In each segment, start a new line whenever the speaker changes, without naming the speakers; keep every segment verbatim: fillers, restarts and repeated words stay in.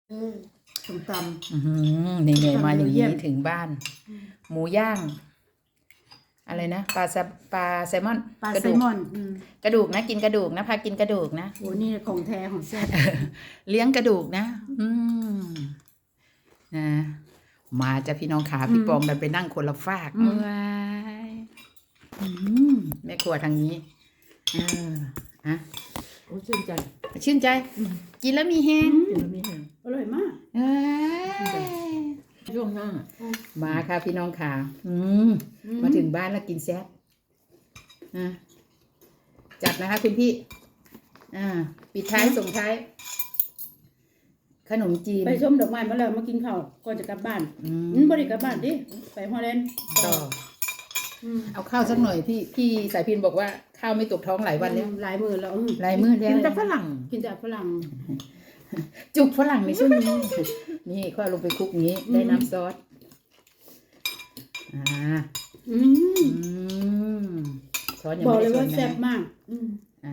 เออส้มต
อือหือเหนื่อยๆมาอย่าง
เยี่
นี้
ยม
ถึงบ้าน หมูย่าง อะไรนะปลาแซปลาแซลมอน
ำปลาก
ระ
ไซ
ดูก
มอนอืม
กระดูกนะกินกระดูกนะพากินกระดูกนะ
โหนี่ของแท้ของแซ่บ
เลี้ยงกระดูกนะ อืมนะมาจะพี่น้องขาพี่ปองดันไปนั่งคนละฝาก
อืม
ว้ายอืมแม่ครัวทางนี้เอออะ
โอ้ชื่นใจ
ชื่นใจ กินแล้วมีแฮง
กินแล้วมีแรง
อร่อยมาก
เอ้ย
ช่วงหน้า
มาค่ะพี่น้องขาอืม
อืม
มาถึงบ้านแล้วกินแซ่บอ่ะจัดนะคะคุณพี่ อ่า ปิดท้ายส่งท้าย ขนมจีน
ไปชมดอกไม้มาแล้วมากินข้าวก่อนจะกลับบ้าน
อืม
อืมบ่ได้กลับบ้านดิไปฮอลแลนด์
ต่อ
อืม
เอาข้าวสักหน่อยพี่พี่สายพินบอกว่าข้าวไม่ตกท้องหลายวันแล้ว
หลายมื้อแล้วอืม
หลายมื้อแล้ว
กินแต่ฝรั่ง
กินแต่ฝรั่ง
จุกฝรั่งในช่วงนี้ นี่ก็เอาลงไปคลุกนี้ ได้น้ำซอส อ่า
อืม
อืมซอสยัง
บอก
ไม่
เลย
ได้ช
ว่าน แซ่บ
นะ
มาก อืม
อ่า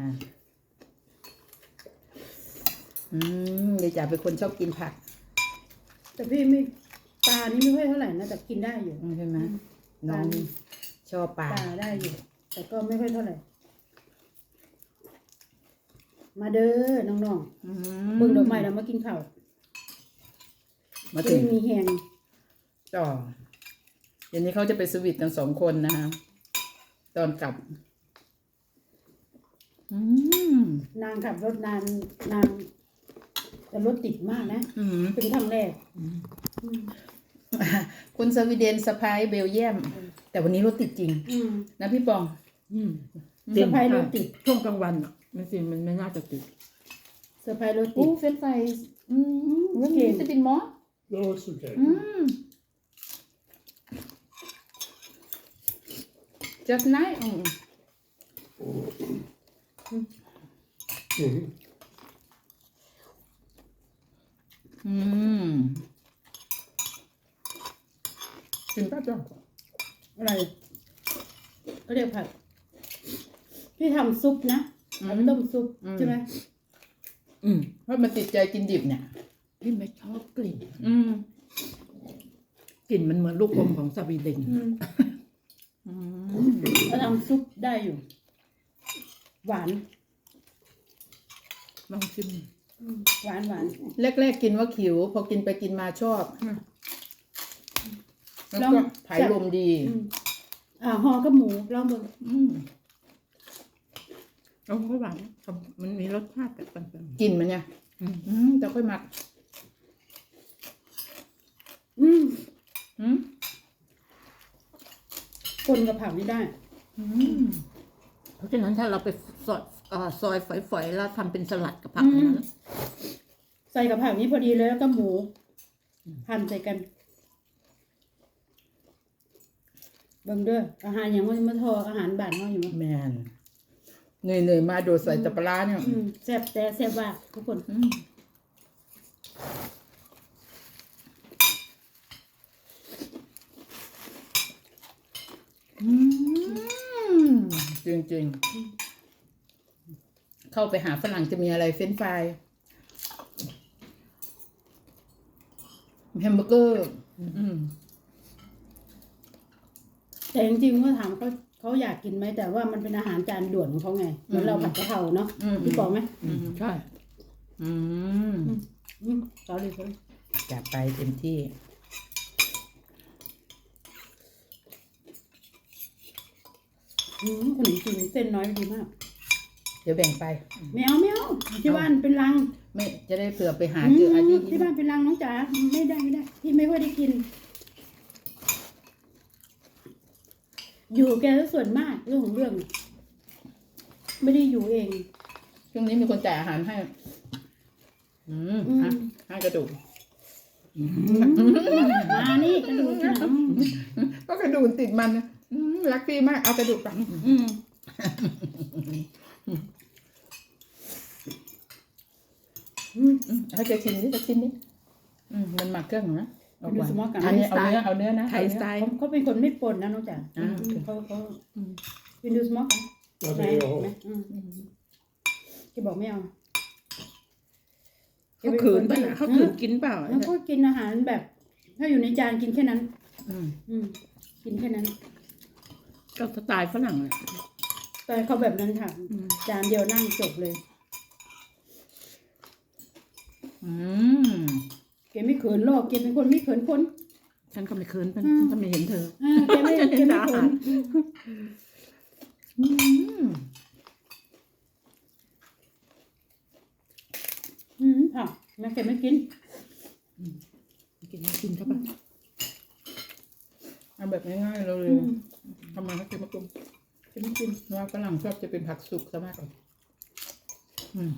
อืมเดี๋ยวจ๋าเป็นคนชอบกินผัก
แต่พี่ไม่ปลานี่ไม่ค่อยเท่าไหร่นะแต่กินได้อยู่
ใช่ไหมน้องชอบป
ป
ลา
ลาได้อยู่ แต่ก็ไม่ค่อยเท่าไหร่ มาเด้อน้อง
อื
ๆเบิ่งดอกไม้แล้วมากินข้าว
มา
จะ
ถึง
ได้มีแฮง
ต่อเดี๋ยวนี้เขาจะไปสวิตกันสองคนนะคะตอนกลับ อืม
นางขับรถนานนางแต่รถติดมากนะ
อืม
เป็นครั้งแรก
คุณสวีเดนสไปเบลเยียม แต่วันนี้รถติดจริง
อืม
นะพี่ปอง
อืม
เซอร์ไพรส์รถติด
ช่วงกลางวันอ่ะมันสิมันไม่น่าจะติด
เซอร์ไพรส์รถติ
โอ้
ด
เฟรนช์ฟรายอืมวัน
เก่
นี้
ง
จะเป็นหมอ
Ja, ist okay.
อืม just nice อืม
Mhm.
อืมกินแป๊บเดียว
อะไรก็เรียกผัด พี่ทำซุปนะ
อืม
เอาไปต้มซุป
อืม
ใช่ไหม
อืม
เพราะมันติดใจกินดิบเนี่ย
พี่ไม่ชอบกลิ่น
อืม
กลิ่นมันเหมือนลูกอมของสวีเดน
อืม
อืม
เราทำซุปได้อยู่ หวาน
ลองชิม
อืมหวานหวาน
แรกๆกินว่าขิว พอกินไปกินมาชอบ
อืม
แล้วก็ผายลมดี
อืมอ่าห่อกับหมูลองดู
อืม
แล้วก็หวานมันมีรสชาติแบบปัน
กลิ่นมันเนี่ย
ๆอืม
อืมแต่ค่อยหมัก
อืม
อืม
คนกับผักนี่ได้
อืม
เพราะฉะนั้นถ้าเราไปซอยเอ่อซอยฝอยๆแล้วทำเป็นสลัดกับผัก
อืม
นะ
ใส่กับผักนี้พอดีเลยแล้วก็หมูหั่นใส่กัน เบิ่งเด้ออาหารอย่างว่ามาทออาหารบ้านเฮาอยู่มั้ย
แมนเหนื่อยๆมาโดดใส่ตะปลาร้าเนี่ย
อืมแซ่บแต่แซ่บว่าทุกคน
อืมอืมจริงๆ เข้าไปหาฝรั่งจะมีอะไรเฟรนช์ฟรายแฮมเบอร์เกอร์ อืม
แต่จริงๆว่าถามเขาเขาอยากกินไหมแต่ว่ามันเป็นอาหารจานด่วนของเขาไงเหมือนเราผัดกะเพราเนาะ
อืม
พี่บอกไหม
อืมใช่
อืม
อืมเขาเลยเขาเลย
จัดไปเต็มที่
อืมขนมจีนเส้นน้อยดีมาก
เดี๋ยวแบ่งไป
ไม่เอาไม่เอาที่บ้านเป็นรัง
ไม่จะได้เผื่อไปหา
อื
เจออา
ม
ที่
ที่บ้านเป็นรังน้องจ๋าไม่ได้ไม่ได้พี่ไม่ค่อยได้กิน อยู่แกซะส่วนมากเรื่องของเรื่อง ไม่ได้อยู่เอง
ช่วงนี้มีคนจ่ายอาหารให้ อืม
อืม
ฮะให้กระดูก
มานี่กระดูกหนัง
ก็กระดูกติดมันนะอืมรักพี่มาก เอากระดูกไป
อืมอืม
อืมให้แกชิมนิดจะชิมนิดอืมมันหมักเครื่องเหรอนะเอา
ดู
หวาน
สมองกัน
อันนี้เอาเนื้อเอาเนื้อนะ
ไทยสไตล์
เขาเขาเป็นคนไม่ปนนะน้องจ๋า
อ่า
อืมเขาเขาเป็นดูสมองกัน
Ja,
ไหน
det är
ไหน
jag.
อืมแกบอกไม่เอาแก
เขาขืนป่ะเขาขืนกินเปล่า
แล้วก็กินอาหารแบบ ถ้าอยู่ในจานกินแค่นั้น
อืม
อืม กินแค่นั้น
ก็สไตล์ฝรั่งอ่ะ
แต่เขาแบบนั้นค่ะ
อืม
จานเดียวนั่งจบเลย
อืม
แกไม่เขินหรอกแกเป็นคนไม่เขินคน
ฉันก็ไม่เคินเป็น
อืม
ถ้าไม่เห็นเธอ
อ่าแกไม่
ฉัน
แก
เห็น
ไม่
อา
เขิ
หาร
น
อืม
อืมค่ะแม่แกไม่กิน
กินไม่กินใช่ปะ
เอาแบบง่ายๆเร็
อื
ว
ม
ๆทำมาให้กินมะกรูด
แกไม่กิน
เพราะว่าฝรั่งชอบจะเป็นผักสุกซะมากกว่าอืม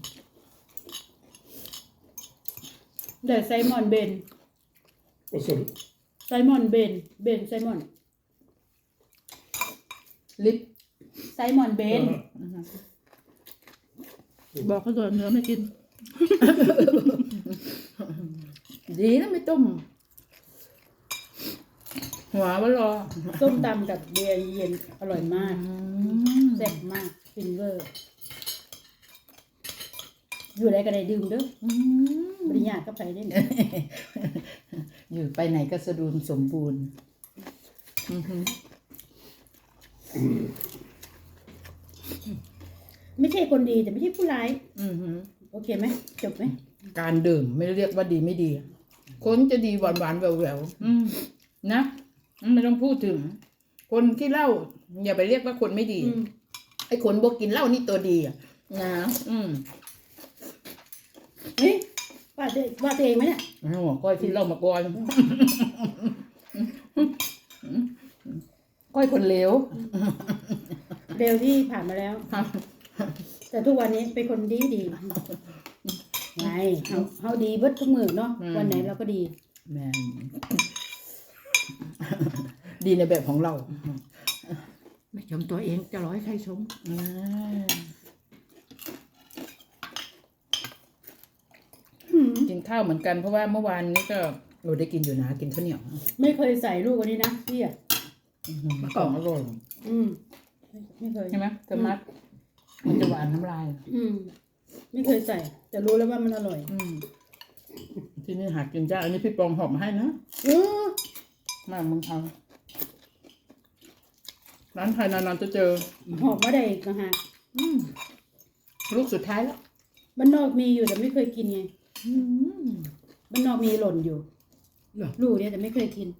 เดี๋ยวไซมอนเบน
Vad sa du?
ไซมอนเบน เบนไซมอน
ลิป
ไซมอนเบน
Ja.
บอกเขาเลยเนื้อไม่กิน
ดีนะไม่ต้ม หัววะรอ
ส้มตำกับเบียร์เย็นอร่อยมาก
อืม
แซ่บมากฟินเวอร์ อยู่ไรก็ได้ดื่มเด้อ
อืม
บริญาก็ไปได้หมด
อยู่ไปไหนก็สะดุมสมบูรณ์อือหือ
ไม่ใช่คนดีแต่ไม่ใช่ผู้ร้าย
อือหือ
โอเคไหมจบไหม
การดื่มไม่เรียกว่าดีไม่ดี คนจะดีหวานหวานๆแหววแหววๆอืมนะไม่ต้องพูดถึง คนที่เหล้าอย่าไปเรียกว่าคนไม่ดี
อืม
ไอ้คนบวกกินเหล้านี่ตัวดีอ่ะนะอืม
เฮ้ยว่าตัวว่าตัวเองไหมเนี่ย
โอ้ก้อยที่เหล้ามาก่อนก้อยคนเลว
เร็วที่ผ่านมาแล้ว แต่ทุกวันนี้เป็นคนดีดีไงเขาเขาดีเบิดทุกมือเนาะวันไหนเราก็ดี
แม่นดีในแบบของเรา
ไม่ชมตัวเองจะร้อยใครชม
อ่า
อืม
กินข้าวเหมือนกันเพราะว่าเมื่อวานนี้ก็เราได้กินอยู่นะกินข้าวเหนียว
ไม่เคยใส่ลูกอันนี้นะพี่อ่ะ
มะกอกอร่อย
อืมไม่เคย
ใช่ไหมเธอมัดมันจะหวานน้ำลาย
อืม ไม่เคยใส่ แต่รู้แล้วว่ามันอร่อย
อืมที่นี่หากินยากอันนี้พี่ปองหอบมาให้นะ
เออ
มาเมืองไทยร้านไทยนานๆจะเจอ
หอบมาได้อีกนะฮะ
อืมลูกสุดท้ายแล้ว
บ้านนอกมีอยู่แต่ไม่เคยกินไง
อืม
บ้านนอกมีหล่นอยู่
เหรอ
ลูกเนี่ยแต่ไม่เคยกิน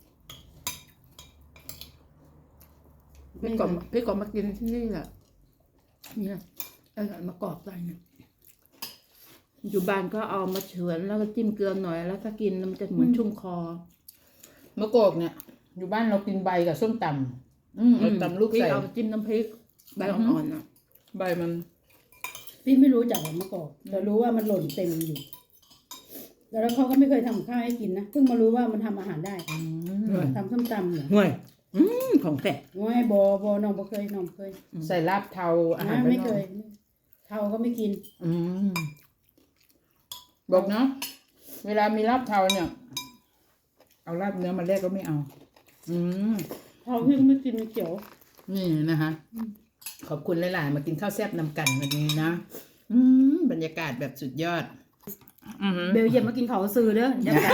พี่ก่อนพี่ก่อนมากินที่นี่แหละเนี่ยเอามากรอกใส่เนี่ยอยู่บ้านก็เอามาเฉือนแล้วก็จิ้มเกลือหน่อยแล้วก็กินแล้วมันจะเหมือนชุ่มคอ
มะกอกเนี่ย อยู่บ้านเรากินใบกับส้มตำอืมเอาตำลูก
พี่
ใส่
เอาจิ้มน้ำพริกใบอ่อนๆอ่ะ
ใบมัน
พี่ไม่รู้จักหรอกมะกอกแต่รู้ว่ามันหล่นเต็มอยู่ แล้วเขาก็ไม่เคยทำข้าวให้กินนะ เพิ่งมารู้ว่ามันทำอาหารได้
อืม
ทำส้มตำเหรอ
ห่วยอืมของแท้
ง่ายบอบอน้องบ่เคยน้องบ่เคย
ใส่ลาบเทาอาหาร
นะ
บ้านนอก
ไม่เคย เทาก็ไม่กิน
อืมบอกเนาะเวลามีลาบเทาเนี่ย เอาลาบเนื้อมาแลกก็ไม่เอา อืม
เทาพี่ก็ไม่กินมันเขียว
นี่นะคะขอบคุณหลายๆมากินข้าวแซ่บนำกันวันนี้นะอืมบรรยากาศแบบสุดยอด อืม
เบลเยียมมากินเขาซื้อเด้อเดี๋ยวกัน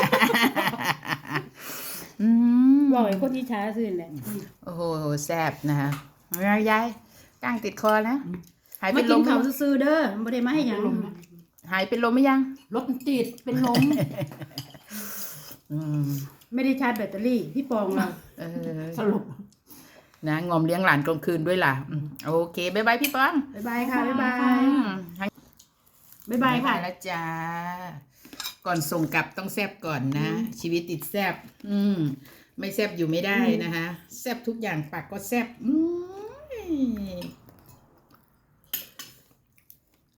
อืม
บอกไอ้คนที่ช้าซื้อแหละ
โอ้โหแซ่บนะคะยายยายก้างติดคอนะหาย
มา
เป็น
กิ
ล
น
ม
เขาซื้อเด้อไม่ได้มาให้หยัง
หายเป็นลมไหมยัง
รถมันติดเป็นลม
อืม
ไม่ได้ชาร์จแบตเตอรี่พี่ปองเรา
เออ
สรุป
นะงอมเลี้ยงหลานกลางคืนด้วยล่ะอืมโอเคบ๊ายบายพี่ปอง
บ๊ายบายค่ะบ๊ายบาย
อืม
บ๊ายบายค่ะ
แล้วจ้า ก่อนส่งกลับต้องแซบก่อนนะ ชีวิตติดแซบอืม ไม่แซบอยู่ไม่ได้นะคะ แซบทุกอย่างปากก็แซบอืม